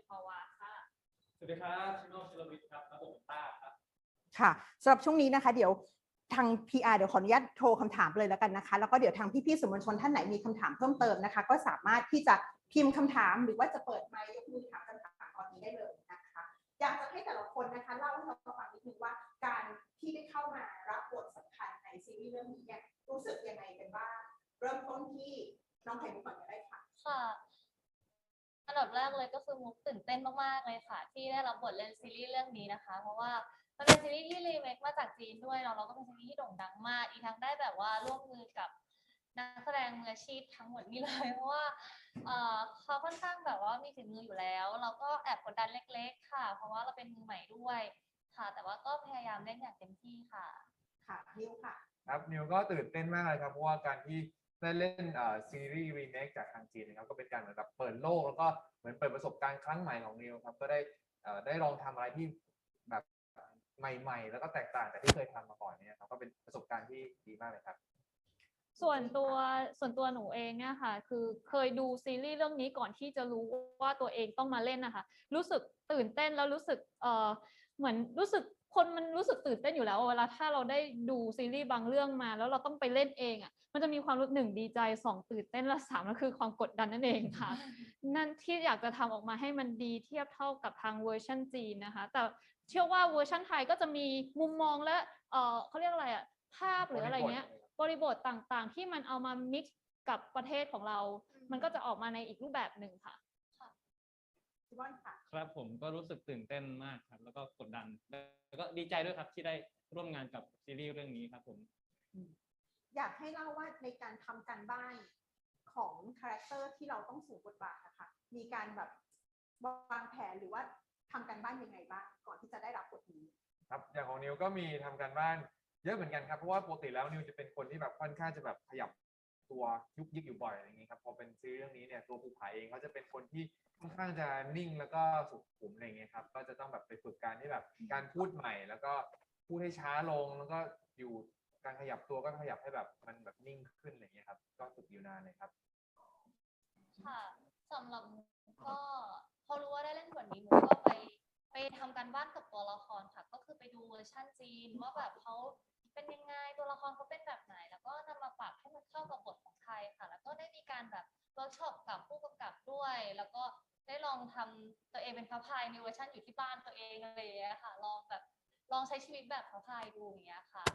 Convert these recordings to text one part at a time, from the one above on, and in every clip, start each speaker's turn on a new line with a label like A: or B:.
A: พาวาค่ะ
B: สวัสดีครับชิโนชิโรวิทย์ครับรับบทเป็นต้าครับ
C: ค่ะสำหรับช่วงนี้นะคะเดี๋ยวทาง PR เดี๋ยวขออนุญาตโทรคำถามเลยแล้วกันนะคะแล้วก็เดี๋ยวทางพี่ๆสื่อมวลชนท่านไหนมีคำถามเพิ่มเติมนะคะก็สามารถที่จะพิมพ์คำถามหรือว่าจะเปิดไมค์ยกมือถามคำถามตอนนี้ได้เลยนะคะอยากจะให้แต่ละคนนะคะเล่าให้เราฟังนิดนึงว่าการที่ได้เข้ามารับบทสำคัญในซีรีส์เรื่องนี้เนี่ยรู้สึกยังไงกันบ้างเริ่มต้นที่น้องไข่มุกก่อนก็ได้ค่ะ
A: ค่ะอันดับแรกเลยก็คือมุกตื่นเต้นมากๆเลยค่ะที่ได้รับบทเล่นซีรีส์เรื่องนี้นะคะเพราะว่ามันเป็นซีรีส์ที่รีเมคมาจากจีนด้วยเราก็เป็นซีรีส์ที่โด่งดังมากอีกทั้งได้แบบว่าร่วมมือกับนักแสดงมืออาชีพทั้งหมดนี้เลยเพราะว่าเขาค่อนข้างแบบว่ามีฝีมืออยู่แล้วเราก็แอบกดดันเล็กๆค่ะเพราะว่าเราเป็นมือใหม่ด้วยค่ะแต่ว่าก็พยายามเล่นอย่างเต็มที่ค่ะ
C: ค่ะนิวค่ะ
D: ครับนิวก็ตื่นเต้นมากเลยครับเพราะว่าการที่ได้เล่นซีรีส์รีเมคจากทางจีนนะครับก็เป็นการเหมือนกับเปิดโลกแล้วก็เหมือนเปิดประสบการณ์ครั้งใหม่ของนิวครับก็ได้ลองทำอะไรที่แบบใหม่ๆแล้วก็แตกต่างจากที่เคยทำมาก่อนเนี่ยครับก็เป็นประสบการณ์ที่ดีมากเลยครับ
E: ส่วนตัวหนูเองเนี่ยค่ะคือเคยดูซีรีส์เรื่องนี้ก่อนที่จะรู้ว่าตัวเองต้องมาเล่นนะคะรู้สึกตื่นเต้นแล้วรู้สึกเหมือนรู้สึกคนมันรู้สึกตื่นเต้นอยู่แล้วเวลาถ้าเราได้ดูซีรีส์บางเรื่องมาแล้วเราต้องไปเล่นเองอ่ะมันจะมีความรู้1ดีใจ2ตื่นเต้นและ3ก็คือความกดดันนั่นเองค่ะ นั่นที่อยากจะทำออกมาให้มันดีเทียบเท่ากับทางเวอร์ชันจีนนะคะแต่เชื่อว่าเวอร์ชันไทยก็จะมีมุมมองและเขาเรียกอะไรอ่ะภาพหรืออะไรเงี้ยบริบทต่างๆที่มันเอามา mix กับประเทศของเรา มันก็จะออกมาในอีกรูปแบบหนึ่งค่ะ
C: พี่บอลค่ะ
B: ครับผมก็รู้สึกตื่นเต้นมากครับแล้วก็กดดันแล้วก็ดีใจด้วยครับที่ได้ร่วมงานกับซีรีส์เรื่องนี้ครับผม
C: อยากให้เล่าว่าในการทำการบ้านของคาแรคเตอร์ที่เราต้องสวมบทบาทนะคะมีการแบบวางแผนหรือว่าทำการบ้านยังไงบ้างก่อนที่จะได้รับบทนี้
D: ครับอย่างของนิวก็มีทำการบ้านเยอะเหมือนกันครับเพราะว่าปกติแล้วนิวจะเป็นคนที่แบบค่อนข้างจะแบบขยับตัวยุกยิกอยู่บ่อยอะไรอย่างนี้ครับพอเป็นซีรีส์เรื่องนี้เนี่ยตัวภูผาเองเขาจะเป็นคนที่ค่อนข้างจะนิ่งแล้วก็สุขุมอะไรอย่างเงี้ยครับก็จะต้องแบบไปฝึกการที่แบบการพูดใหม่แล้วก็พูดให้ช้าลงแล้วก็อยู่การขยับตัวก็ขยับให้แบบมันแบบนิ่งขึ้นอะไรอย่างเงี้ยครับก็ฝึกอยู่นานเลยครับ
A: ค่ะสำหรับมุกก็พอรู้ว่าได้เล่นบทนี้มุกก็ไปทำการบ้านกับตัวละครค่ะก็คือไปดูเวอร์ชันจีนว่าแบบเขาเป็นยังไงตัวละครเขาเป็นแบบไหนแล้วก็นำมาปรับให้มันเข้ากับบทของไทยค่ะแล้วก็ได้มีการแบบเวิร์กช็อปกับผู้กำกับด้วยแล้วก็ได้ลองทำตัวเองเป็นพระพายในเวอร์ชันอยู่ที่บ้านตัวเองอะไรอย่างเงี้ยค่ะลองใช้ชีวิตแบบพระพายดูอย่างเงี้ยค่ะ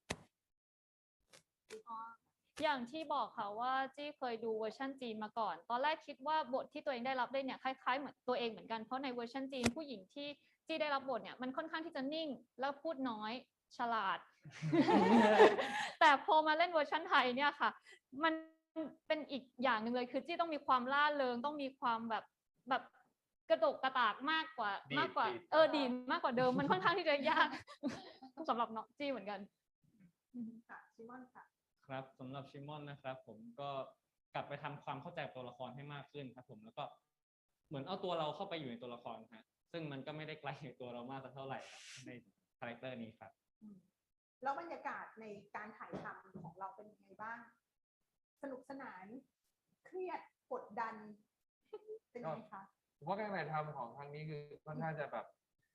E: อย่างที่บอกค่ะว่าจี้เคยดูเวอร์ชันจีนมาก่อนตอนแรกคิดว่าบทที่ตัวเองได้รับได้เนี่ยคล้ายๆเหมือนตัวเองเหมือนกันเพราะในเวอร์ชันจีนผู้หญิงที่จี้ได้รับบทเนี่ยมันค่อนข้างที่จะนิ่งแล้วพูดน้อยฉลาด แต่พอมาเล่นเวอร์ชันไทยเนี่ยค่ะมันเป็นอีกอย่างหนึ่งเลยคือจี้ต้องมีความล่าเริงต้องมีความแบบกระโดกกระตากมากกว่าดีมากกว่าเดิมมันค่อนข้างที่จะยาก สำหรับน้องจี้เหมือนกัน
C: ค่ะชิมอนค่ะ
B: ครับสำหรับชิมอนนะครับผมก็กลับไปทำความเข้าใจตัวละครให้มากขึ้นครับผมแล้วก็เหมือนเอาตัวเราเข้าไปอยู่ในตัวละครฮะซึ่งมันก็ไม่ได้ไกลจากตัวเรามากสักเท่าไหร่ในคาแรคเตอร์นี้ครับ
C: แล้วบรรยากาศในการถ่ายทำของเราเป็นยังไงบ้างสนุกสนานเครียดกดดันเป็นยังไงคะ
D: ผมว่าการถ่ายทำของครั้งนี้คือค่อนข้างจะแบบ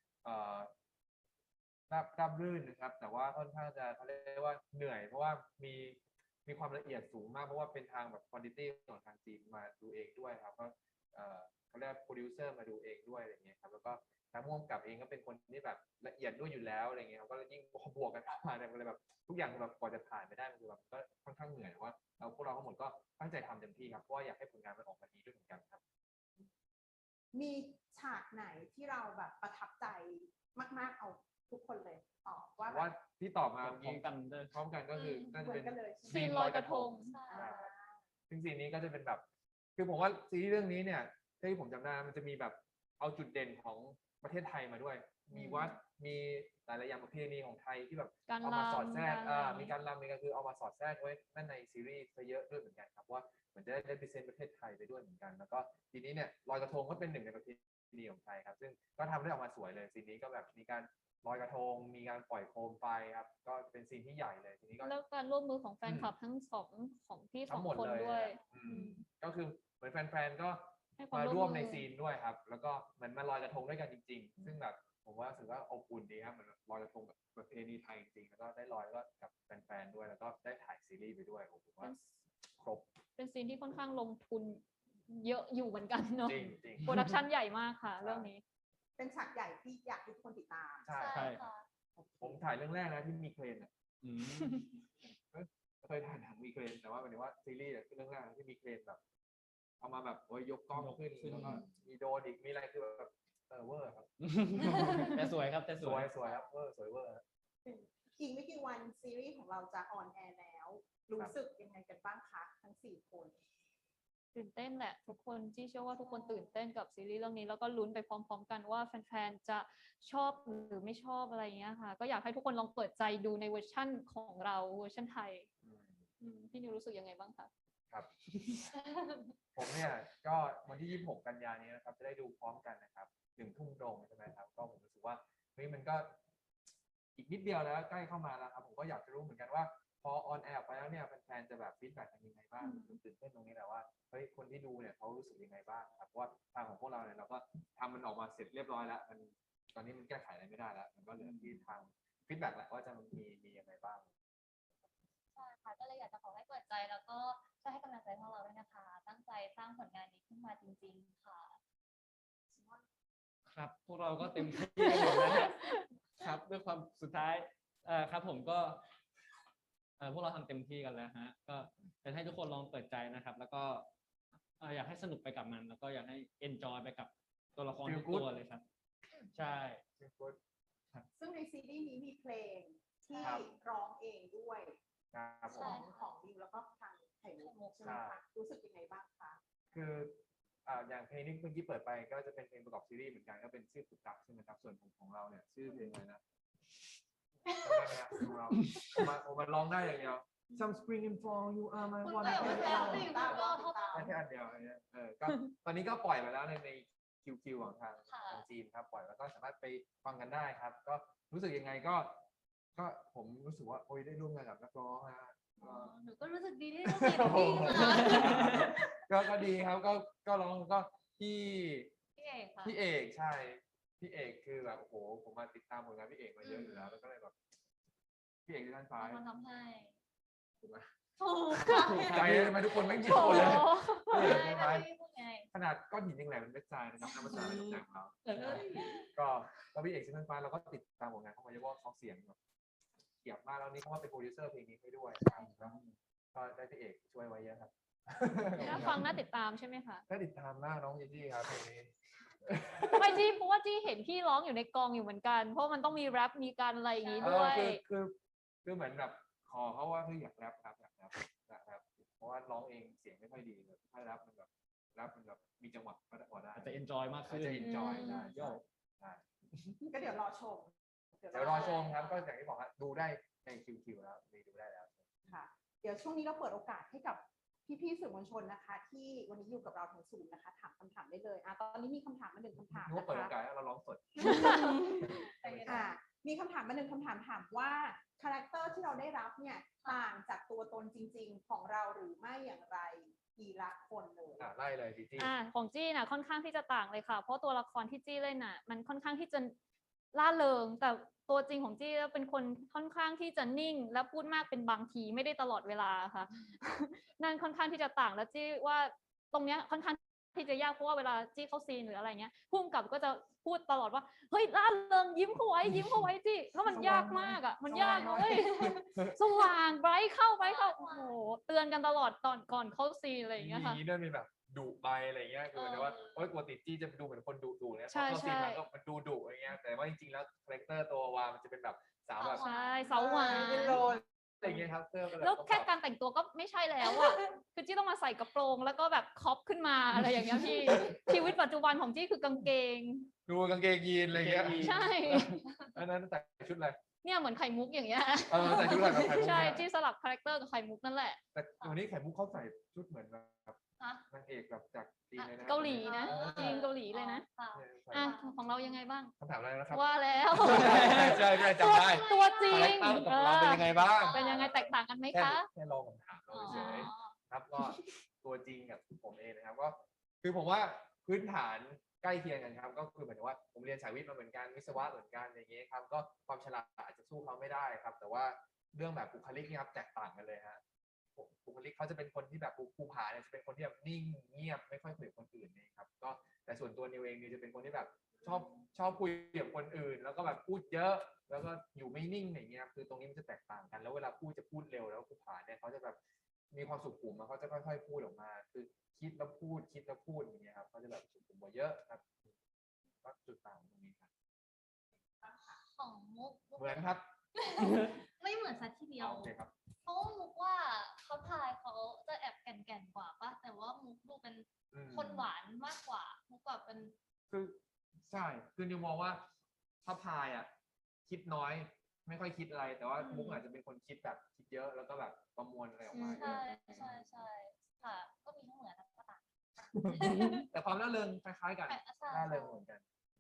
D: ราบรื่นนะครับแต่ว่าค่อนข้างจะเขาเรียกว่าเหนื่อยเพราะว่ามีความละเอียดสูงมากเพราะว่าเป็นทางแบบควอลิตี้ของทางจีนมาดูเองด้วยครับก็เขาเรียกโปรดิวเซอร์มาดูเองด้วยอะไรเงี้ยครับแล้วก็ทางผู้กำกับเองก็เป็นคนที่แบบละเอียดด้วยอยู่แล้วอะไรเงี้ยก็ยิ่งบวกกันมาเนี่ยมันเลยแบบทุกอย่างแบบกว่าจะผ่านไปได้มันคือแบบก็ค่อนข้างเหนื่อยว่าพวกเราทั้งหมดก็ตั้งใจทำเต็มที่ครับเพราะว่าอยากให้ผลงานมันออกมาดีด้วยเหมือนกันครับ
C: มีฉากไหนที่เราแบบประทับใจมากๆเอาทุกคนเลยตอบว่า
D: ที่ตอบมา
B: พร้อม
D: กันก็คือน่าจะเป็น
E: ซีนลอยกระทง
D: ซึ่งซีนนี้ก็จะเป็นแบบคือผมว่าซีรีส์เรื่องนี้เนี่ยที่ผมจำได้มันจะมีแบบเอาจุดเด่นของประเทศไทยมาด้วยมีวัดมีหลายๆอย่างประเพณีของไทยที่แบบเอามาสอดแทรกมีการรำมีการคือเอามาสอดแทรกไว้นั่นในซีรีส์ซะเยอะด้วยเหมือนกันครับว่าเหมือนจะได้representประเทศไทยไปด้วยเหมือนกันแล้วก็ทีนี้เนี่ยลอยกระทงก็เป็นหนึ่งในประเพณีของไทยครับซึ่งก็ทำได้ออกมาสวยเลยซีนนี้ก็แบบมีการลอยกระทงมีการปล่อยโคมไฟครับก็เป็นซีนที่ใหญ่เลยทีนี้ก็
E: แล้วการร่วมมือของแฟนคลับทั้งสองของพี่สองคนด้วย
D: ก็คือเหมือนแฟนๆก็
E: ให้ความ
D: มา
E: ร่
D: ร่ว
E: ว
D: ม
E: ม
D: ใน
E: มือ
D: ซีนด้วยครับ แล้วก็เหมือนมาลอยกระทงด้วยกันจริง ๆ ซึ่งแบบผมว่ารู้สึกว่าอบอุ่นดีครับเหมือนลอยกระทงแบบประเพณีไทยจริงๆแล้วก็ได้ลอยแล้วก็กับแฟนๆด้วยแล้วก็ได้ถ่ายซีรีส์ไปด้วยผมว่าครบ
E: เป็นซีนที่ค่อนข้างลงทุนเยอะอยู่เหมือนกันเนาะ
D: จริง
E: โปรดักชันใหญ่มากค่ะ
D: ใช่
E: เรื่องนี้
C: เป็นฉากใหญ่ที่อยากให้ทุกคนติดตาม
D: ใช่
B: ใช่ครับ
A: ค่ะ
D: ผมถ่ายเรื่องแรกนะที่มีเครนอะ
B: อืม
D: เคยถ่ายหนังมีเครนแต่ว่าหมายถึงว่าซีรีส์อะคือเรื่องแรกนะที่มีเครนแบบ เอามาแบบโอ้ยยกกล้องขึ้น
B: ยกขึ้น
D: แล้วก็มีโดรนอีกมีอะไรคือแบบเวอร์ครับ
B: แต่สวยครับแต่ส
D: ส
B: ว
D: วย ยสวยครับเวอร์สวยเวอร์ครับ
C: อีกไม่กี่วันซีรีส์ของเราจะออนแอร์แล้ว รู้สึกยังไงกันบ้างคะทั้ง4 คน
E: ตื่นเต้นแหละทุกคนที่เชื่อว่าทุกคนตื่นเต้นกับซีรีส์เรื่องนี้แล้วก็ลุ้นไปพร้อมๆกันว่าแฟนๆจะชอบหรือไม่ชอบอะไรอย่างเงี้ยค่ะ ก็อยากให้ทุกคนลองเปิดใจดูในเวอร์ชั่นของเราเวอร์ชันไทยพี่นิวรู้สึกยังไงบ้างคะ
D: ครับ ผมเนี่ยก็วันที่ 26 กันยายนนี้นะครับจะได้ดูพร้อมกันนะครับ1 ทุ่มตรงใช่ไหมครับก็ผมรู้สึกว่าเฮ้ยมันก็อีกนิดเดียวแล้วใกล้เข้ามาแล้วครับผมก็อยากจะรู้เหมือนกันว่าพอออนแอร์ไปแล้วเนี่ยแฟนๆจะแบบฟีดแบ็กกันยังไงบ้างตื่นเต้นตรงนี้แหละว่าเฮ้ยคนที่ดูเนี่ยเขารู้สึกยังไงบ้างครับเพราะว่าทางของพวกเราเนี่ยเราก็ทำมันออกมาเสร็จเรียบร้อยแล้วมันตอนนี้มันแก้ไขอะไรไม่ได้แล้วมันก็เหลือที่ทางฟีดแบ็กแหละว่าจะมียังไงบ้าง
A: ใช่ค่ะก็เลยอยากจะขอให้เปิดใจแล้วก็ช่วยให้กำลังใจพวกเราด้วยนะคะ ตั้งใจสร้างผลงานนี้ขึ้นมาจริงๆค่ะ
B: ครับ พวกเราก็เต็มที่กันอยู่นะฮะครับด้วยความสุดท้ายครับผมก็พวกเราทำเต็มที่กันแล้วฮะก็อยากให้ทุกคนลองเปิดใจนะครับ แล้วก็อยากให้สนุกไปกับมัน แล้วก็อยากให้ enjoy ไปกับตัวละคร
D: Feel
B: ทุก
D: good
B: ตัวเลยครับ ใช่
C: ซึ่งในซีรีส์นี้มีเพลงที่
D: ครับ
C: ร้องเองด้วย
D: ครับผ
C: ขอ
D: ม
C: งของดิวแล้วก็ทางไข่มุกใช่ไหมคะรู้สึกยังไงบ้างคะ
D: คืออย่างเพลงที่เมื่อกี้เปิดไปก็จะเป็นเพลงประกอบซีรีส์เหมือนกันก็เป็นชื่อปุกตักใช่ไหมครับส่วนของเราเนี่ยชื่อเพลงอะไรนะจำได้ไหมครับของเราผมมาร้องได้อย่างเดียว Some spring and fall you are my
A: คุณ
D: one
A: ก็อย่าไป
D: and
A: แซว
D: only
A: สิคุณก็เท่ากัน
D: ได้แค่อันเดียวอันเนี้ยก็ตอนนี้ก็ปล่อยไปแล้วในQQ ของทาง
A: ค่ะ
D: จีนครับปล่อยแล้วก็สามารถไปฟังกันได้ครับ ก็รู้สึกยังไงก็ผมรู้สึกว่าโอ้ยได้ร่วมงานกับนักร้องนะ
A: หนูก็รู้สึกดีที่ได้ร่วมงานกับพี่นะคะ
D: ก็ดีครับก็ร้องก็พี่
A: พี่เอกค่ะ
D: พี่เอกใช่พี่เอกคือแบบโอ้โหผมมาติดตามผลงานพี่เอกมาเยอะอยู่แล้วแล้วก็เลยแบบพี่เอกที่ด้านซ้าย
A: มันทำให้
D: ถูกไหม
A: ถูกค่ะ
D: ใจเลยทำไมทุกคนไม่หยิบหมดเลย
E: โอ้
D: พี่เอก
A: ใช่
D: ที่
A: ไม่
D: ซ้าย
A: ได้พูดไง
D: ขนาดก้อนหินยังแหลมเป็นเม็ดทรายนะครับน้ำมันทรายเป็นน้ำหนักเขาก็แล้วพี่เอกที่ด้านซ้ายเราก็ติดตามผลงานเขามาเยอะว่าเขาเสียงแบบเกียบมากแล้วนี่เขาว่าเป็นโปรดิวเซอร์เพลงนี้ให้ด้วยครับก็ได้พี่เอกช่วยไว้เยอะครับ
E: น่าฟังน่าติดตามใช่ไหมคะ
D: ถ้าติดตามหน้าน้องจีจี้ครับเพลงนี้
E: ไม่จี้เพราะว่าจี้เห็นพี่ร้องอยู่ในกองอยู่เหมือนกัน เพราะมันต้องมีแรปมีการอะไรอย่างนี้ด้วย
D: คือเหมือนแบบขอเขาว่าคืออยากแรปครับอยากแรปเพราะว่าร้องเองเสียงไม่ค่อยดีเลยถ้าแรปมันแบบมีจังหวะก็ได้พอได้
B: อาจจะ enjoy มาก
D: อาจ
B: ขึ้น
D: จะ enjoy ได้
B: โย่
D: ใช่
C: ก็เดี๋ยวรอชม
D: เดี๋ยวรอชมครับก็อย่างที่บอกครับดูได้ในQQ แล้วมีดูได้แล้ว
C: ค่ะเดี๋ยวช่วงนี้เราเปิดโอกาสให้กับพี่ๆสื่อมวลชนนะคะ ที่วันนี้อยู่กับเราทั้งศูนย์นะคะถามคำถามได้เลยตอนนี้มีคำถามมา1 คำถาม
D: นึกว่า
C: นะ
D: เปิดโอ
C: คะ
D: กาสให้เราร้องสด
C: มีคำถามมา1 คำถามถามว่าคาแรคเตอร์ที่เราได้รับเนี่ยต่างจากตัวตนจริง ๆ ของเราหรือไม่อย่างไรทีละคนเลย
D: ไล่เลยจีจี้
E: ของจี้น่ะค่อนข้างที่จะต่างเลยค่ะ เพราะตัวละครที่จี้เล่นน่ะ มันค่อนข้างที่จะล่าเริง แต่ตัวจริงของจี้เป็นคนค่อนข้างที่จะนิ่ง และพูดมากเป็นบางทีไม่ได้ตลอดเวลาค่ะ นั่นค่อนข้างที่จะต่างแล้วจี้ว่าตรงเนี้ยค่อนข้างที่จะยากเพราะว่าเวลาจี้เข้าซีนหรืออะไรเงี้ยพุ่มกับก็จะพูดตลอดว่าเฮ้ยล่าเริงยิ้มเข้าไว้จี้แล้วมันยากมากอ่ะมันยากเลยสว่างไบรท์เข้าโอ้โหเตือนกันตลอดก่อนเข้าซีนอะไรอย่างเงี้ยค่ะ
D: มีด้วยมีแบบดุไปอะไรเงี้ยคือเหมือนว่าโอ๊ยปกติจี้จะดูเหมือนคนดุเนี่ย
E: ใช่
D: พอเข้าซีน
E: ใช่
D: มันก็มันดูดุอะไรเงี้ยแต่ว่าจริงๆแล้วคาแรคเตอร์ตัววามันจะเป็นแบบสาวแบบ
E: ใช่เสาหวาน
D: อะไรเงี้ยครับเสื้อก็บบ
E: แล้วแค่การแต่งตัวก็ไม่ใช่แล้วอ่ะ คือจี้ต้องมาใส่กระโปรงแล้วก็แบบครอปขึ้นมาอะไรอย่างเงี้ยพี่ ชีวิตปัจจุบันของจี้คือกางเกง
D: ดูกางเกงยีนอะไรเงี้ย
E: ใช่
D: อันนั้นใส่ชุดอะไร
E: เนี่ยเหมือนไข่มุกอย่างเงี้ย
D: ใส่ชุดอะไรแบบไข่มุก
E: ใช่
D: เนี่ย
E: จี้สลับคาแรคเตอร์กับไข่มุกนั่นแหละ
D: แต่วันนี้ไข่มุกเขาใส่ชุดเหมือนแบบ
A: ฮะ
D: นางเอกแบบจากจีนเลยนะ
E: เกาหลีนะจีนเกาหลีเลยนะ
A: ค่ะ
E: อ่ะของเรายังไงบ้าง
D: คำถามอะไรนะครับ
E: ว่าแล้ว
D: ใช่จำได้
E: ตัวจริ
D: คาแรค
E: ง
D: เตอร์ของเราเป็นยังไงบ้าง
E: เป็นยังไงแตกต่างกันไหม
D: แค่
E: คะ
D: ลองคำถามเรา
A: อ๋อ
D: เฉยๆครับก็ตัวจริงกับผมเองนะครับก็คือผมว่าพื้นฐานใกล้เคียงกันครับก็คือเหมือนว่าผมเรียนสายวิทย์มาเหมือนกันวิศวะเหมือนกันอย่างเงี้ยครับก็ความฉลาดอาจจะสู้เขาไม่ได้ครับ แต่ว่าเรื่องแบบบุคลิกนี่ครับแตกต่างกันเลยฮะบุคลิกเขาจะเป็นคนที่แบบภูผาเนี่ยจะเป็นคนที่แบบนิ่งเงียบไม่ค่อยคุยกับคนอื่นนี่ครับก็แต่ส่วนตัวนิวเองนี่จะเป็นคนที่แบบชอบคุยกับคนอื่น แล้วก็แบบพูดเยอะ แล้วก็อยู่ไม่นิ่งอย่างเงี้ยคือตรงนี้มันจะแตกต่างกัน แล้วเวลาพูดจะพูดเร็วแล้วภูผาเนี่ยเขาจะแบบมีความสุขุมเขาจะค่อยๆพูดออกมา คือคิดแล้วพูดอย่างเงี้ยครับเขาจะแบบสุขุมกว่าเยอะครับก็จุดต่างตรงนี้ครับ
A: ของมุก
D: เหมือนครับ
A: ไม่เหมือนสักทีเดียว
D: โอเคครับ
A: เพราะว่ามุกว่าเขาทายเขาจะแอบแก่นๆกว่าปะแต่ว่ามุกดูเป็น
D: อืม
A: คนหวานมากกว่ามุกแบบเป็น
D: คือใช่คือนิวมองว่าถ้าพายอ่ะคิดน้อยไม่ค่อยคิดอะไร แต่ว่ามุกอาจจะเป็นคนคิดแบบคิดเยอะแล้วก็แบบประมวลอะไรออกมาเย
A: ใช่
D: อะ
A: ใช่ใช่ค่ะ ก็มีทั้งเหมือนทั้งต่าง
D: แต่ความร่าเริงคล้ายๆกัน
A: ใช่
D: ร่าเริงเหมือนกัน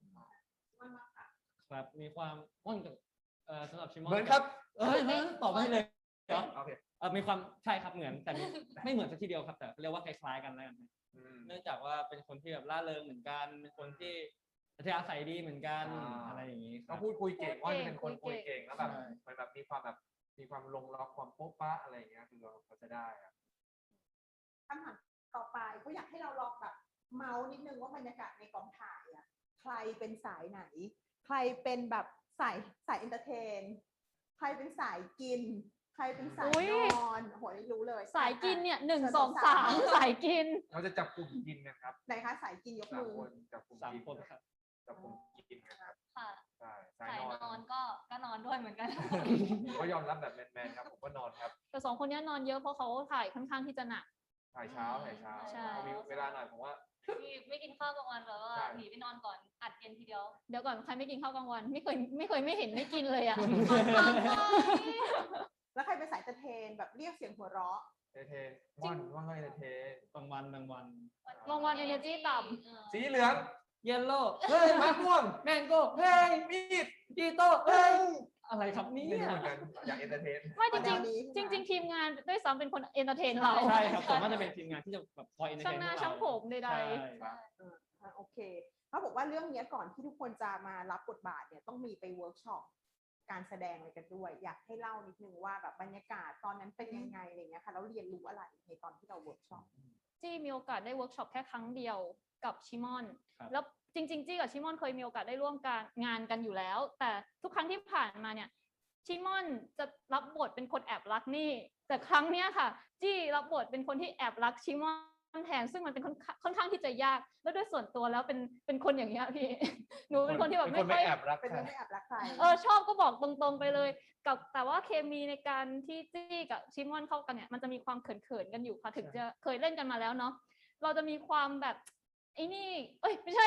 B: ครับมีความอ้นกับสำหรับชิมอน
D: เหมือนครับ
B: ตอบไม่เลยเหรอ
D: โอเค
B: มีความใช่ครับเหมือนแต่ไม่เหมือนสักทีเดียวครับแต่เรียกว่าคล้ายๆกันแล้วกัน
D: อืม
B: เนื่องจากว่าเป็นคนที่แบบร่าเริงเหมือนกันเป็นคนที่อัธยาศัยดีเหมือนกัน
D: อ่า
B: อะไรอย่างนี้ค
D: เขา
B: รับ
D: พูดคุยเก่งว่าจะเป็นคนคุยเก่งแล้วแบบ
B: ใช่
D: มันแบบมีความลงล็อกความโป๊ะปะอะไรอย่างเงี้ยคือเขาจะได้อะ
C: คำถามต่อไปก็อยากให้เราลองแบบเมาส์นิดนึงว่าบรรยากาศในกองถ่ายอะใครเป็นสายไหน ใครเป็นแบบสายเอนเตอร์เทน ใครเป็นสายกิน ใครเป็นสาย
E: อุ๊ย
C: นอนโหนี่รู้เลย
E: สายกินเนี่ย1
C: ชิญ
E: 2 3สายกิน
D: เราจะจับกลุ่มกินกันครับ
C: ไหนคะสายกินยก
D: สาม
C: มือ
D: คนจับกลุ่ม
B: สาม
D: กิน
B: คนครับ
D: จับกลุ่มกินกันครับ
A: ค่ะ
D: ใช่สา
A: สาย ย
D: น
A: น
D: อ
A: อน นก็นอนด้วยเหมือนกัน
D: ผมก็ยอมรับแบบแมนๆครับผมก็นอนครับ
E: แต่2 คนเนี้ยนอนเยอะเพราะเขาถ่ายค่อนข้างที่จะหนัก
D: ถ่ายเช้า
E: ใช่
D: มีเวลาหน่อยผมว่า
A: ไม่กินข้าวกลางวันแบบว่า
D: ใช่
A: หนีไปนอนก่อนอัดเย็นทีเดียว
E: เดี๋ยวก่อนใครไม่กินข้าวกลางวัน ไม่เคยไม่เห็นไม่กินเลยอะ
C: แล้วใครเป็นสายเอนเตอร์เทนแบบเรียกเสียงหัวเราะ
D: เอเทนว่านว่าไงเอเทน
B: บางวัน
E: บางวัน energy ต่ำ
D: สีเหลือง
B: เยลโล่
D: เฮ้ยมะม่วง
B: แมงโก้เฮ้ย
D: มีด
B: กีโต้เฮ้ยอะไรครับเนี่
D: ไม่
B: ย
D: รู้เหมือนกันอยากเอนเตอร์เทน
E: ไม่จ
C: แน
E: ริ
C: ว
E: ง
C: นี้
E: ๆ
C: ใช่ไหม
E: จริง ๆ ทีมงานด้วยซ้ำเป็นคนเอนเตอร์เทนเรา
B: ใช่ครับผมว่าจะเป็นทีมงานที่จะแบบคอยเอนเตอร์
E: ช่า
B: เท
E: ง
B: น
E: หน้า
B: พวกเรา
E: ช่างผมใดๆ
B: ใช่
C: โอเคเขาบอกว่าเรื่องเนี้ยก่อนที่ทุกคนจะมารับบทบาทเนี่ยต้องมีไปเวิร์กช็อปการแสดงอะไรกันด้วย อยากให้เล่านิดนึงว่าแบบบรรยากาศตอนนั้นเป็นยังไงอะไรเงี้ยค่ะแล้วเรียนรู้อะไรในตอนที่เราเวิร์กช็อป
E: จี้มีโอกาสได้เวิร์กช็อปแค่ครั้งเดียวกับชิมอน
B: ครับ
E: แล้วจริงๆจี้กับชิมอนเคยมีโอกาสได้ร่วมงานกันอยู่แล้ว แต่ทุกครั้งที่ผ่านมาเนี่ยชิมอนจะรับบทเป็นคนแอบรักนี่ แต่ครั้งเนี้ยค่ะ จี้รับบทเป็นคนที่แอบรักชิมอนแทนซึ่งมันเป็นค่อนข้างที่จะยาก แล้วด้วยส่วนตัวแล้วเป็นคนอย่างเงี้ยพี่ หนูเป็นคนที่แบบ
D: เป็น
E: ไม่
D: คน
E: ค่
D: ไม่
E: อย
D: แอบรัก
C: เป็น
D: ใคร
C: ไม่ได้แอบรักใคร
E: ชอบก็บอกตรงๆไปเลยกับแต่ว่าเคมีในการที่จี้กับชิมอนเข้ากันเนี่ยมันจะมีความเขินๆกันอยู่ค่ะถึงจะเคยเล่นกันมาแล้วเนาะเราจะมีความแบบไอ้นี่เอ้ยไม่ใช่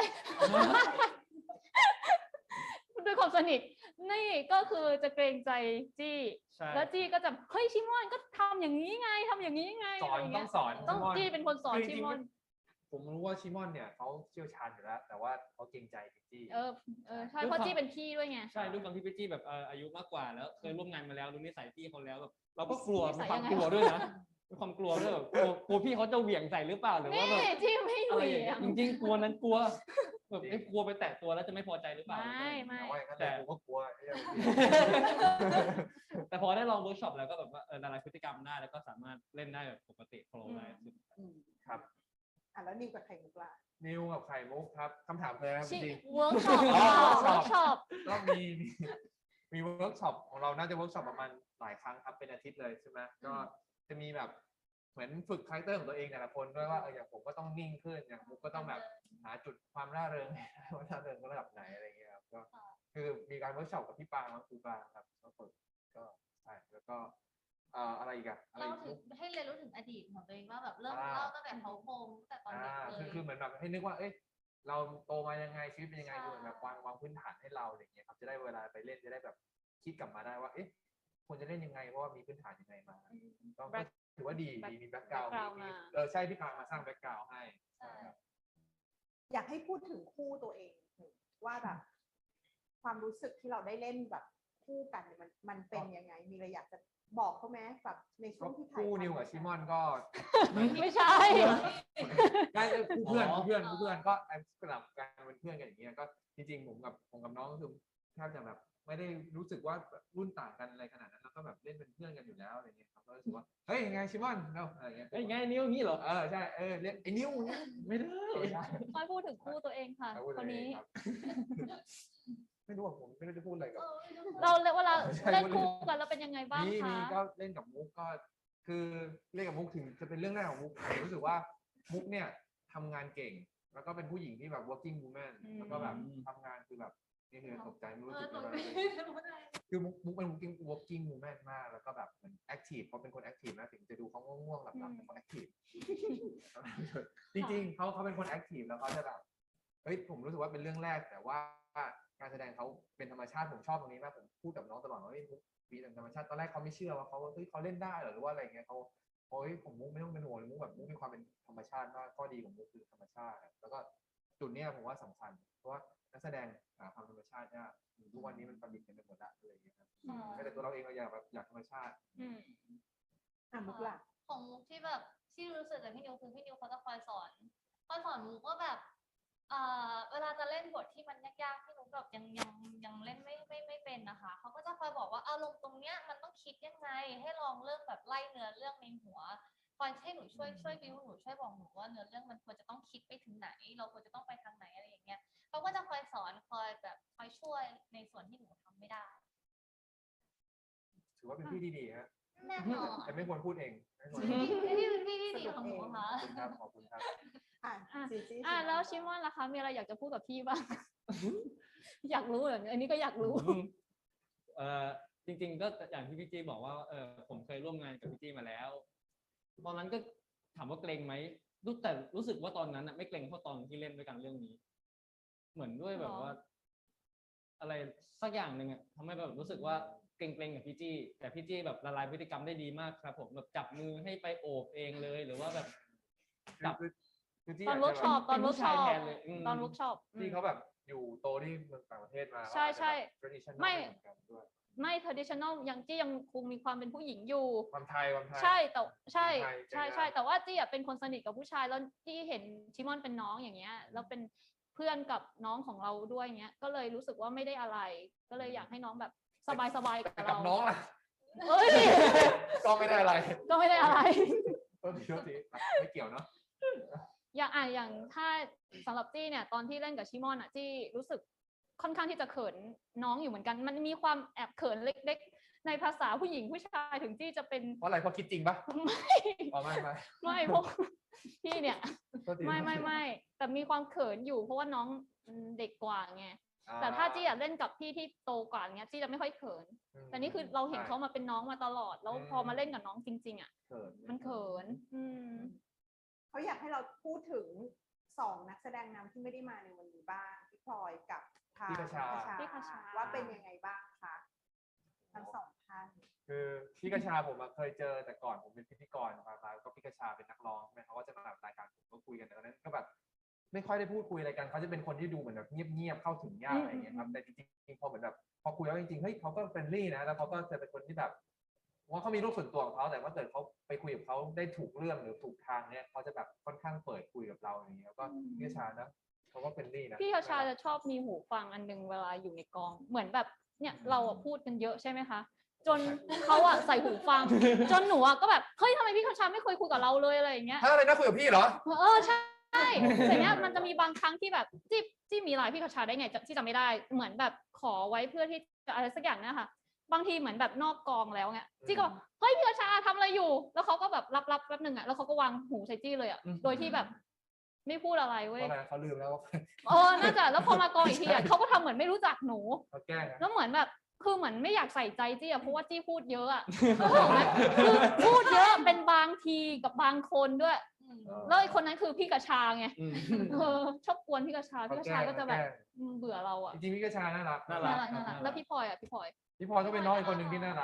E: ด้วยความสนิทนี่ก็คือจะเกรงใจจี้
B: ใช่
E: แล้วจี้ก็จะเฮ้ยชิมอนก็ทำอย่างนี้ไงทำอย่างนี้ไง
D: สอน
E: ะไร
D: ต้
E: เงี้
D: อย งสอน
E: ต้อง
D: ชิมอน
E: จี้เป็นคนสอน
D: คือจ
E: ชิ
D: ริงๆ
E: มอน
D: ผมรู้ว่าชิมอนเนี่ยเขาเชี่ยวชาญอยู่แล้ว แต่ว่าเขาเกรงใจพิจี้
E: ใช่เพราะจี้เป็นพี่ด้วยไง
B: ใช่ด้วยความที่พี่จี้แบบอายุมากกว่าแล้วเคยร่วมงานมาแล้วรู้นิสัยพี่เขาแล้วแบบเราก็กลัว
E: นิสั
B: มี
E: ย
B: ความ
E: ยังไง
B: กลัวด้วยนะมีความกลัวด้วยแบบกลัวพี่เขาจะเหวี่ยงใส่หรือเปล่าหรือ
E: นี่
B: ว่าแบบ
E: จี้ไม่เห
B: อะไรอ
E: วี่
B: ย่าง
E: ย
B: เงี้
E: ง
B: ยจริงๆกลัวนั้นกลัวแบบกลัวไปแตะตัวแล้วจะไม่พอใจหรือเปล่า
E: ไม่
D: แต่ว่าอย่างนั้น
B: แต่
D: ผมก็กลัวไอ้เรื่องนี้
B: แต่พอได้ลองเวิร์กช็อปแล้วก็แบบว่าละลายพฤติกรรมได้แล้วก็สามารถเล่นได้แบบปกติโฟล์ได้
D: ครับ
C: แล้วนิวกับไข่มุกล่ะ
D: นิวกับไข่มุกครับคำถามเลยนะครับจริง
E: เวิร์กช็อป
D: อ๋อ
E: เวิร์กช็อป
D: ๆก็มีเวิร์กช็อปของเราน่าจะเวิร์กช็อปประมาณหลายครั้งครับเป็นอาทิตย์เลยใช่ไหมก็จะมีแบบเหมือนฝึกคาแรคเตอร์ของตัวเองแต่ละคนด้วยว่าอย่างผมก็ต้องนิ่งขึ้นอย่างมุกก็ต้องแบบหาจุดความร่าเริงว่าร่าเริงระดับไหนอะไรอย่างเงี้ยครับก็คือมีการเวิร์กช็อปกับพี่ปางครูปางครับก็ฝึกก็ใช่แล้วก็อะไรอีกอะอะไร
A: เรา
D: อีก
A: ถึงให้เรียนรู้ถึงอดีตของตัวเองว่าแบบเริ่ม
D: อ่า
A: เล่าตั้งแต่เขาโครงตั้งแต่ตอนเด็กเลย
D: คือเหมือนแบบให้นึกว่า เอ๊ะ เราโตมายังไงชีวิตเป็นยังไงคือเหมือนแบบวางพื้นฐานให้เราอะไรอย่างเงี้ยครับจะได้เวลาไปเล่นจะได้แบบคิดกลับมาได้ว่า เอ๊ะควรจะเล่นยังไงเพราะว่ามีพื้นฐานยังไงมาก็ถือว่าดีมีแบ็คกราวด์
E: background
D: มี
E: มา
D: ใช่พี่ปางมาสร้างแบ็คกราวด์ให้
A: ใช่
D: ครับ
C: อยากให้พูดถึงคู่ตัวเองว่าแบบ ความรู้สึกที่เราได้เล่นแบบคู่กันเนี่ยมันเป็นยังไง มีอะไรอยากจะบอกเขาไหมแบบในช่วงที่ถ่าย
D: คู่
C: ทำ
D: นิวกับชิมอนก็
E: ไม่ใช่
D: ได้คู่เพื่อนก็สลับกันเป็นเพื่อนกันอย่างเงี้ยก็จริงๆผมกับน้องก็คือแทบจะแบบไม่ได้รู้สึกว่ารุ่นต่างกันอะไรขนาดนั้นแล้วก็แบบเล่นเป็นเพื่อนกันอยู่แล้วอะไรเงี้ยครับก็รู้สึกว่าเฮ้ยไงชิมอนเนาะอะไรเงี้ย
B: ไอ้ยไงนิ้วอย่างนี้เหรอ
D: ใช่เรียกไอ้นิวเนี่ย
B: ไม่ได้
D: ไม่ได้
E: ค่อยพูดถึงคู่ตัวเองค่ะ
D: พูด
E: คน
D: เอง
E: นี้
D: ครับ ไม่รู้ว่าผมไม่ได้พูดอะไรกับ
E: เราเวลา
D: ใช่
E: เล่นคู่กันแล้วเป็นยังไงบ้าง
D: มี
E: คะ
D: ก็เล่นกับมุกก็คือเล่นกับมุกถึงจะเป็นเรื่องแรกของมุกผมรู้สึกว่ามุกเนี่ยทำงานเก่ง แล้วก็เป็นผู้หญิงที่แบบ working woman แล้วก็แบบทำงานคือแบบนี่คือตกใจไม่รู้สึกอะไรคือมุกเป็น working woman มากแล้วก็แบบเหมือน active เขาเป็นคน active นะถึงจะดูเขาง่วงๆหลับๆแต่เขา active จริงๆเขาเป็นคน active แล้วเขาจะแบบเฮ้ยผมรู้สึกว่าเป็นเรื่องแรกแต่ว่าการแสดงเขาเป็นธรรมชาติผมชอบตรงนี้มากผมพูดกับน้องตลอดว่าเฮ้ยมุกปีธรรมชาติตอนแรกเขาไม่เชื่อว่าเขาเล่นได้เหรอหรือว่าอะไรเงี้ยเขาโอ้ยผมมุกไม่ต้องเป็นห่วงเลยมุกแบบมุกมีความเป็นธรรมชาติมากข้อดีของมุกคือธรรมชาติแล้วก็จุดเนี้ยผมว่าสำคัญเพราะว่านักแสดงหาความธรรมชาติเนี่ยทุกวันนี้มันประดิษฐ์กันไปหมดละอะไรอย่างเงี้ยครับแม้แต่ตัวเราเองเราอยากธรรมชาติ
E: อืม
C: มุกล่ะ
A: ของมุกที่แบบที่รู้สึกกับพี่นิวคือพี่นิวเขาจะคอยสอนมุกว่าแบบเวลาจะเล่นบทที่มันยากๆที่นุกแบบยังเล่นไม่เป็นนะคะเขาก็จะคอยบอกว่าอารมณ์ตรงเนี้ยมันต้องคิดยังไงให้ลองเริ่มแบบไล่เนื้อเรื่องในหัวคอยให้หนูช่วยบิวหนูช่วยบอกหนูว่าเนื้อเรื่องมันควรจะต้องคิดไปถึงไหน เราควรจะต้องไปทางไหนอะไรอย่างเงี้ยเขาก็จะคอยสอนคอยแบบคอยช่วยในส่วนที่หนูทำไม่ได้
D: ถือว่าเป็นพี่ที่ดีฮะ
A: แน่นอน
D: แต่ไม่ควรพูดเองไม่ควร
A: พี่ดีของหนูค่ะ
D: ขอบคุณครับ
C: จีจี้
E: แล้วชิมอนล่ะคะมีอะไรอยากจะพูดกับพี่บ้าง อยากรู้เหรออันนี้ก็อยากรู้
B: จริงๆก็อย่างที่พี่จี้บอกว่าผมเคยร่วมงานกับพี่จี้มาแล้ว ตอนนั้นก็ถามว่าเกรงไหมแต่รู้สึกว่าตอนนั้นไม่เกรงเท่าตอนที่เล่นด้วยกันเรื่องนี้ เหมือนด้วยแบบว่า อะไรสักอย่างหนึ่งทำให้แบบรู้สึกว่าเกรงๆกับพี่จี้แต่พี่จี้แบบละลายพฤติกรรมได้ดีมากครับผมแบบจับมือให้ไปโอบเองเลยหรือว่าแบบจับ
E: ตอนเวิร์กช็อปตอนเวิร์กช็อป
B: เป็นผู้ชายแทนเลย
E: ตอนเวิร์กช็อป
D: ที่เขาแบบอยู่โตที่เมืองต่างประเทศมา
E: ใช่ใช่
D: traditional
E: ไม่
D: เหมือนกันด้วย
E: ไม่ traditional ยังจี้ยังคงมีความเป็นผู้หญิงอยู่
D: ความไทย
E: ใช่แต่ใช่
D: ไทย
E: ใช่
D: ใจงาม
E: ใช่แต่ว่าจี้เป็นคนสนิทกับผู้ชายแล้วจี้เห็นชิมอนเป็นน้องอย่างเงี้ยแล้วเป็นเพื่อนกับน้องของเราด้วยเงี้ยก็เลยรู้สึกว่าไม่ได้อะไร ก็เลยอยากให้น้องแบบสบายๆกับ
D: แต่กั
E: เรา
D: บน้องล่ะ
E: เอ้ย
D: ก็ไม่ได้อะไร
E: ก็ไม่ได้อะไร
D: โทษทีไม่เกี่ยวเนาะ
E: อย่างถ้าสำหรับจี้เนี่ยตอนที่เล่นกับชิมอนจี้รู้สึกค่อนข้างที่จะเขินน้องอยู่เหมือนกันมันมีความแอบเขินเล็กๆในภาษาผู้หญิงผู้ชายถึงจี้จะเป็น
D: เพราะอะไรเพราะคิดจริงปะ
E: ไม่
D: อ๋อไม่
E: ไม่เพราะพี่เนี่ย
D: โทษที
E: ไม่แต่มีความเขินอยู่เพราะว่าน้องเด็กกว่าไงแต่ถ้าจี้เล่นกับพี่ที่โตกว่าเงี้ยจี้จะไม่ค่อยเขินแต่นี่คือเราเห็นเขามาเป็นน้องมาตลอดแล้วพอมาเล่นกับน้องจริงๆ
D: เขิน
E: มันเขิน
C: เขาอยากให้เราพูดถึง2 นักแสดงนำที่ไม่ได้มาในวันนี้บ้างพี่พลอยกับทาง
E: พี่คชา
C: ว่าเป็นยังไงบ้างคะทั้ง2 ท่าน
D: คือพี่กระชาผมเคยเจอแต่ก่อนผมเป็นพิธีกรมาก็พี่กระชาเป็นนักร้องใช่ไหมเขาก็จะมาแบบรายการผมก็คุยกันแต่ตอนนั้นก็แบบไม่ค่อยได้พูดคุยอะไรกันเขาจะเป็นคนที่ดูเหมือนแบบเงียบๆเข้าถึงยากอะไรอย่างเงี้ยครับแต่จริงๆพอเหมือนแบบพอคุยแล้วจริงๆเฮ้ยเขาก็เฟรนลี่นะแล้วเขาก็จะเป็นคนที่แบบว่าเขามีโลกส่วนตัวของเขาแต่ว่าเกิดเขาไปคุยกับเขาได้ถูกเรื่องหรือถูกทางเนี่ยเขาจะแบบค่อนข้างเปิดคุยกับเราอย่างเงี้ยแล้วก็พี่กระชานะเขาก็เฟรนลี่นะ
E: พี่ชาจะชอบมีหูฟังอันนึงเวลาอยู่ในกองเหมือนแบบเนี่ยเราพูดกันเยอะใช่ไหมคะจนเขาใส่หูฟังจนหนูก็แบบเฮ้ยทำไมพี่ชาไม่เคยคุยกับเราเลยอะไรอย่างเงี้ย
D: ถ้าอะไรนะคุยกับพี่เหรอ
E: ใช่แต่เนี้ยมันจะมีบางครั้งที่แบบจี้มีไลน์พี่คชาได้ไงที่จำไม่ได้เหมือนแบบขอไว้เพื่อที่จะอะไรสักอย่างเนี่ยค่ะบางทีเหมือนแบบนอกกองแล้วเนี่ยจี้ก็บอกเฮ้ยพี่คชาทำอะไรอยู่แล้วเขาก็แบบรับแป๊บนึงแล้วเขาก็วางหูใส่จี้เลยโดยที่แบบไม่พูดอะไรเว้ย
D: เขาลืมแล้ว
E: น่าจะแล้วพอมากองอีกทีเขาก็ทำเหมือนไม่รู้จักหนู
D: เขาแกล้ง
E: แล้วเหมือนแบบคือเหมือนไม่อยากใส่ใจจี้เพราะว่าจี้พูดเยอะคือพูดเยอะเป็นบางทีกับบางคนด้วยแล้วไอ้คนนั้นคือพี่กระชาไงชอบกวนพี่กระชาก็จะแบบเบื่อเรา
D: จริงๆพี่กระชาน่ารัก
E: แล้วพี่พลอยพี่พลอย
D: พี่พลอยก็เป็นน้องอีกคนหนึ่งที่น่ารัก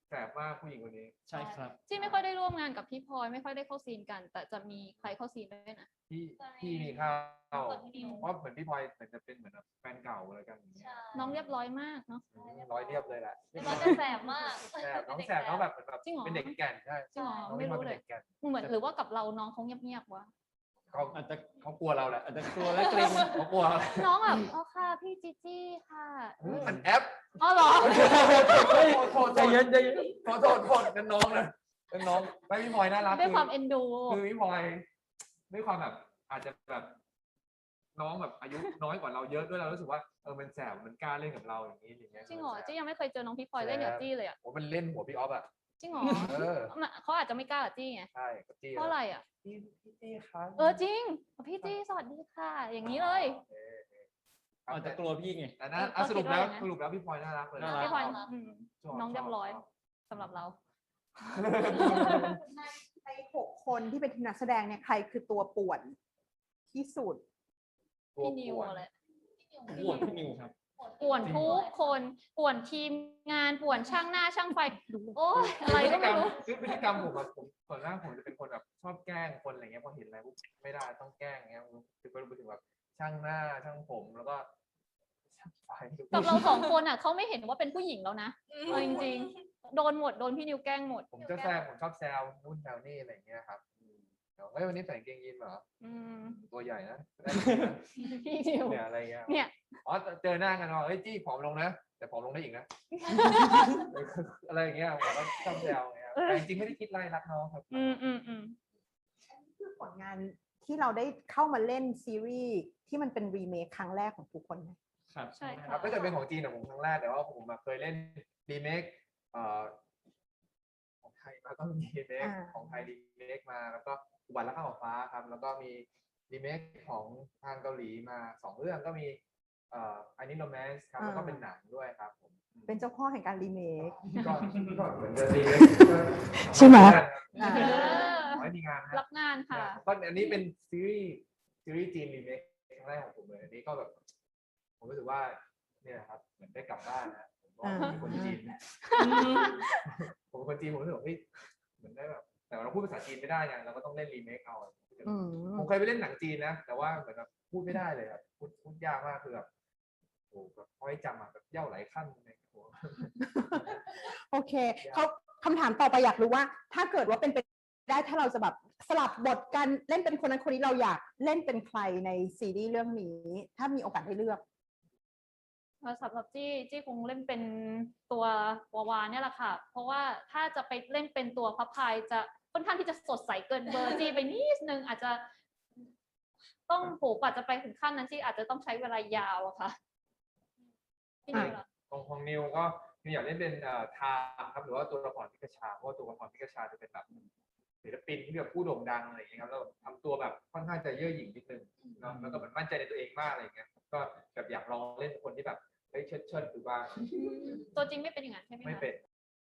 D: แสบมากผู้หญิงคนนี้
B: ใช่ครับ
E: จี้ไม่ค่อยได้ร่วมงานกับพี่พลอยไม่ค่อยได้เข้าซีนกัน แต่จะมีใครเข้าซีนด้วยนะ
D: พี่มีข้าว
A: กับพี่นิว
D: เพราะเหมือนพี่พลอยเหมือนจะเป็นเหมือนแบบแฟนเก่าอะไรกันอย่างเงี้ย
A: ใช่
E: น้องเรียบร้อยมากเนาะ
D: ร้อยเรียบเลยแหละ
A: เราจะแสบมาก
D: แสบน้องแสบน้องแบบเหมือนแบบ
E: จริงเหรอ
D: เป็นเด็กแก่นใช่
E: จริงเหรอ
D: น้อง
E: ไม่
D: พี่พลอย
E: รู้
D: เป็น
E: เลย
D: เด็กแก่น
E: เหมือนหรือว่ากับเราน้องเขาเงียบๆวะ
D: เขา
B: อาจจะ
D: เขากลัวเราแหละ
B: อาจจะกลัวและเกรง
D: เขากลัวเราแหละ
E: น้องแบบอ๋อค่ะพี่จีจี้ค่ะ
D: มันแอป
E: อ๋อเหรอ
D: โทษ
B: ใจเย็นใจเย็น
D: โทษนั่นน้องนะนั่นน้องไม่พี่พลอยน่ารัก
E: ด้วยความเอ็นดู
D: คือพี่พลอยด้วยความแบบอาจจะแบบน้องแบบอายุน้อยกว่าเราเยอะด้วยเรารู้สึกว่ามันแสบมันกล้าเล่นกับเราอย่างนี้อย่างเงี้ย
E: จริงเหรอจี้ยังไม่เคยเจอน้องพี่พลอยเล่นกับจี้เลยอ่ะ
D: โอ้มันเล่นหัวพี่ออฟอ่ะ
E: จริงเหรอ
D: อ
E: เขาอาจจะไม่กล้ากับจี้ไง
D: ใช่กับจี้
E: เพราะอะไรอ่ะ
D: พี่จี้ครับ
E: จริงพี่จี้สวัสดีค่ะ อย่างนี้เลย
B: อาจจะกลัวพี่ไง
D: แต่นะ
E: ก็
D: สรุปแล้ว
E: คิดว่าอย่างนั้น
D: สรุปแล้วพี่พลอยน่ารักเลย
B: น่ารัก
E: พี่พลอย
A: ครับ
D: ชบ
E: น้องเรียบร้อย
D: ช
E: สำหรับเรา
C: ใน6 คนที่เป็นทีมนักแสดงเนี่ยใครคือตัวป่วนที่สุด
D: ตัว
E: พี่นิว
D: ป่วน
E: อะไร
B: ปวดพี่นิวครับ
E: ป่วนทุกคนป่วนทีมงานป่วนช่างหน้าช่างไฟโอ้ยอะไรก็ไม่รู้
D: คือพฤติกรรมผมอะผมส่วนมากผมจะเป็นคนแบบชอบแกล้งคนอะไรเงี้ยพอเห็นอะไรปุ๊บไม่ได้ต้องแกล้งเงี้ยคือก็รู้สึกแบบช่างหน้าช่างผมแล้วก็ช่างไฟ
E: กับเราสองคนอ่ะเขาไม่เห็นว่าเป็นผู้หญิงแล้วนะเอาจริงๆโดนหมดโดนพี่นิวแกล้งหมด
D: ผมจะแซวผมชอบแซวนู่นแซวนี่อะไรเงี้ยครับเดี๋ยวเฮ้ยวันนี้ใส่กางเกงยีนส์เหรอ
E: อืม
D: ตัวใหญ่นะ
E: พี่นิว
D: เนี่ยอะไรเงี้ย
E: เนี่ย
D: อ๋อเจอหน้ากันว่าเฮ้ยจี้ผอมลงนะแต่ผอมลงได้อีกนะ อะไรอย่างเงี้ยผมก็ชอบแซวเงี้ยแต่จริงๆไม่ได้คิดไล่รักน้องครับ
E: อืม
C: คือผลงานที่เราได้เข้ามาเล่นซีรีส์ที่มันเป็นรีเมคครั้งแรกของทุกคนไหม
B: ครับ
E: ใช่
D: ค
E: ค่ะ
D: รับก็จะเป็นของจีนของผมครั้งแรกแต่ว่าผมอะเคยเล่นรีเมคของไทยมาก็มีรีเมคของไทยรีเมคมาแล้วก็อุบัติรักข้าวฟ้าครับแล้วก็มีรีเมคของทางเกาหลีมา2 เรื่องก็มีอันนี้โรแมนส์ครับแล้วก็เป็นหนังด้วยครับผม
C: เป็นเจ้าพ่อแห่งการรีเมค
D: ก็เหมือนจะรีเมค
C: ใช่ไหม
E: เออ
D: ขอให้มีงานนะ
E: รับงานค่ะ
D: ก็อันนี้เป็นซีรีส์จีนรีเมคครั้งแรกของผมเลยอันนี้ก็แบบผมรู้สึกว่าเนี่ยครับเหมือนได้กลับบ้านนะผมก็เป็นคนจีน ผมเป็นคนจีนผมรู้สึกว่าเฮ้ยเหมือนได้แบบแต่เราพูดภาษาจีนไม่ได้ไงเราก็ต้องเล่นรีเมคเอา
C: อืม
D: ผมเคยไปเล่นหนังจีนนะแต่ว่าเหมือนแบบพูดไม่ได้เลยครับพูดยากมากคือแบบโอ้แบบพอให้จำอ่ะแบบเย่าหลายขั้นในหัว
C: โอเคเขาคำถามต่อไปอยากรู้ว่า ถ้าเกิดว่าเป็นไปได้ถ้าเราจะแบบสลับบทกันเล่นเป็นคนนั้นคนนี้เราอยากเล่นเป็นใครในซีรีส์เรื่องนี้ ถ้ามีโอกาสได้เลือก
E: สำหรับจี้คงเล่นเป็นตัววาวาเนี่ยแหละค่ะ เพราะว่าถ้าจะไปเล่นเป็นตัวพระพายจะค่อนข้างที่จะสดใสเกินเบอร์จี้ไปนิดนึงอาจจะต้องโหกว่าจะไปถึงขั้นนั้นจี้อาจจะต้องใช้เวลายาวอะค่ะพี่นิวล่ะ
D: ของนิวก็นิวอยากเล่นเป็นทามครับหรือว่าตัวละครพิกชาเพราะว่าตัวละครพิกชาจะเป็นแบบศิลปินที่แบบผู้โด่งดังอะไรอย่างเงี้ยครับแล้วทำตัวแบบค่อนข้างจะเย่อหยิ่งนิดนึงเนาะแล้วก็แบบมั่นใจในตัวเองมากอะไรอย่างเงี้ยก็แบบอยากลองเล่นคนที่แบบเฮ้ยเชิดหรือว่า
E: ตัวจริงไม่เป็นอย่างนั้นใช่ไหมคะ
D: ไม่เป็น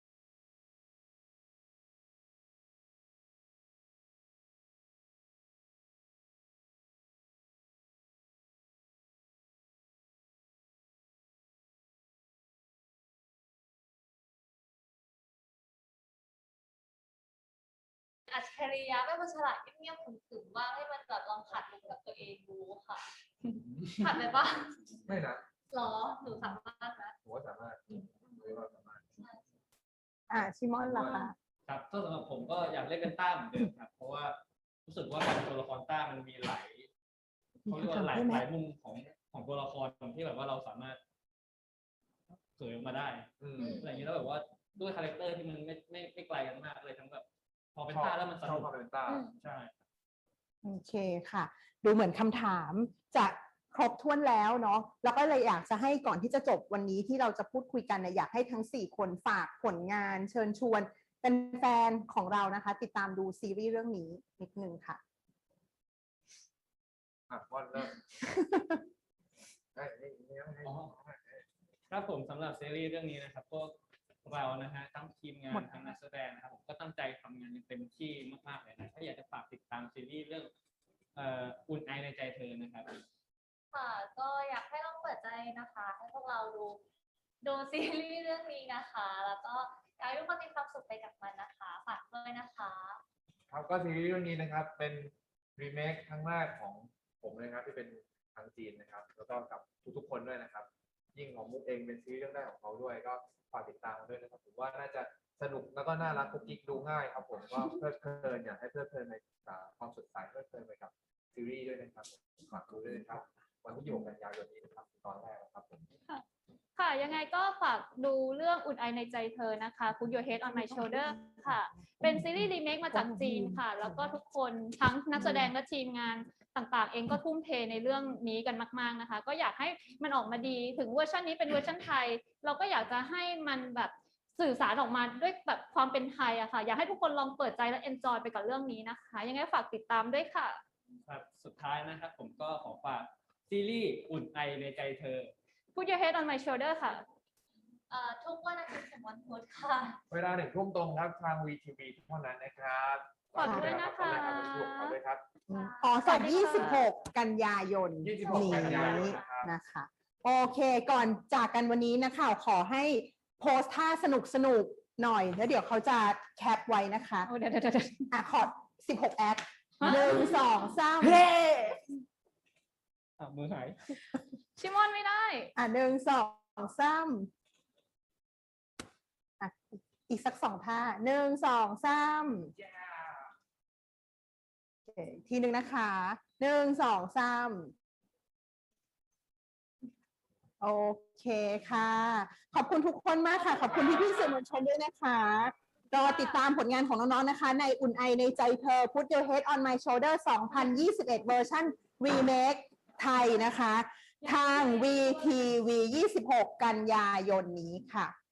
A: อัจฉริยะเป็นคนฉลาดเงียบๆขรึมๆบ้างให้มันแบบลองขัดลุกกับตัวเองดูค่ะขัดไปบ้าง
D: ไม่นะ
A: หรอหนูสามารถนะ
D: ผมว่าสามารถผมว่าสามารถ
C: ชิมอนล่ะคะ
B: ครับก็สำหรับผมก็อยากเล่นเป็นต้าเหมือนเดิมครับ เพราะว่ารู้สึกว่าการเป็นตัวละครต้ามันมีหลายเขาเรียกว่าหลายมุมของตัวละครที่แบบว่าเราสามารถเผยออกมาได้อะไรอย่างนี้แล้วแบบว่าด้วยคาแรคเตอร์ที่มันไม่ไกลกันมากเลยทั้งแบบพอเป็นต้าแล้วมันส
D: ชอ
B: นุ
D: บ
B: ก
D: ความเป็นต้า
B: ใช่
C: โอเคค่ะ ดูเหมือนคำถามจะครบถ้วนแล้วเนาะแล้วก็เลยอยากจะให้ก่อนที่จะจบวันนี้ที่เราจะพูดคุยกันเนี่ยอยากให้ทั้ง4 คนฝากผลงานเชิญชวนเป็นแฟนของเรานะคะ ติดตามดูซีรีส์เรื่องนี้นิดนึงค่ะ
D: วันเริ่มให้
B: ครับผมสำหรับซีรีส์เรื่องนี้นะครับพวกเรานะฮะทั้งทีมงานทั้งนักแสดงนะครับผมก็ตั้งใจทำงานอย่างเต็มที่มากๆเลยนะถ้าอยากจะฝากติดตามซีรีส์เรื่องอุ่นไอในใจเธอนะครับ
A: ค่ะก็อยากให้ลองเปิดใจนะคะ ให้พวกเราดูซีรีส์เรื่องนี้นะคะ แล้วก็อยากอยากให้ทุกคนมีความสุขไปกับมันนะคะฝากด้วยนะคะ
D: ครับก็ซีรีส์เรื่องนี้นะครับเป็นรีเมคครั้งแรกของผมเลยครับที่เป็นทางจีนนะครับแล้วก็กับทุกๆคนด้วยนะครับยิ่งของมุกเองเป็นซีรีส์เรื่องแรกของเขาด้วยก็ฝากติดตามกันด้วยนะครับผมว่าน่าจะสนุกแล้วก็น่ารักกุ๊กกิ๊กดูง่ายครับผมก็เพลิดเพลินอยากให้เพลิดเพลินในความสดใสเพลิดเพลินไปกับซีรีส์ด้วยนะครับฝากดูด้วยนะครับวันที่6 กันยายนนี้นะครับตอนแรกนะครับผม
E: ค่ะยังไงก็ฝากดูเรื่องอุ่นไอในใจเธอนะคะ Put Your Head on My Shoulder ค่ะ เป็นซีรีส์รีเมคมาจากจีนค่ะ แล้วก็ทุกคนทั้งนักแสดงและทีมงานต่างๆ เองก็ทุ่มเทในเรื่องนี้กันมากๆนะคะ ก็อยากให้มันออกมาดีถึงเวอร์ชันนี้เป็นเวอร์ชันไทย เราก็อยากจะให้มันแบบสื่อสารออกมาด้วยแบบความเป็นไทยอะค่ะ อยากให้ทุกคนลองเปิดใจและ enjoy ไปกับเรื่องนี้นะคะ ยังไงฝากติดตามด้วยค่ะ
B: ครับสุดท้ายนะครับผมก็ขอฝากซีรีส์อุ่นไอในใจเธอ
E: Put Your Head on My Shoulder ค่ะ
A: ทุกวันอาทิตย์ถึงวันพุธค่ะ
D: เวลา1 ทุ่มตรงครับทาง VTV เท่านั้นนะครับ
E: ขอบคุณด้วยนะคะ
D: ขอบคุณด้วยครับ
C: อ๋อสด26 กันยายน
D: 26 กันยายน
C: นี้
D: นะครับ
C: นะคะ โอเค ก่อนจากกันวันนี้นะคะ ขอให้โพสท่าสนุกๆหน่อย แล้วเดี๋ยวเขาจะแคปไว้นะคะ
E: โอ้เดี๋ยว
C: อ่ะขอ16 แอค
E: ฮะ
C: 1 2 3
B: เฮ้มือหาย
E: ชิมอนไม่ได้
C: อ่ะ1 2 3อ่ะอีกสัก2 ท่า1 2 3โอเคทีหนึ่งนะคะ1 2 3โอเคค่ะ ขอบคุณทุกคนมากค่ะ ขอบคุณพี่ๆสื่อมวลชนด้วยนะคะรอติดตามผลงานของน้องๆนะคะ ในอุ่นไอในใจเธอ Put Your Head on My Shoulder 2021 เวอร์ชัน Remake ไทยนะคะ ทาง VTV 26 กันยายนนี้ค่ะ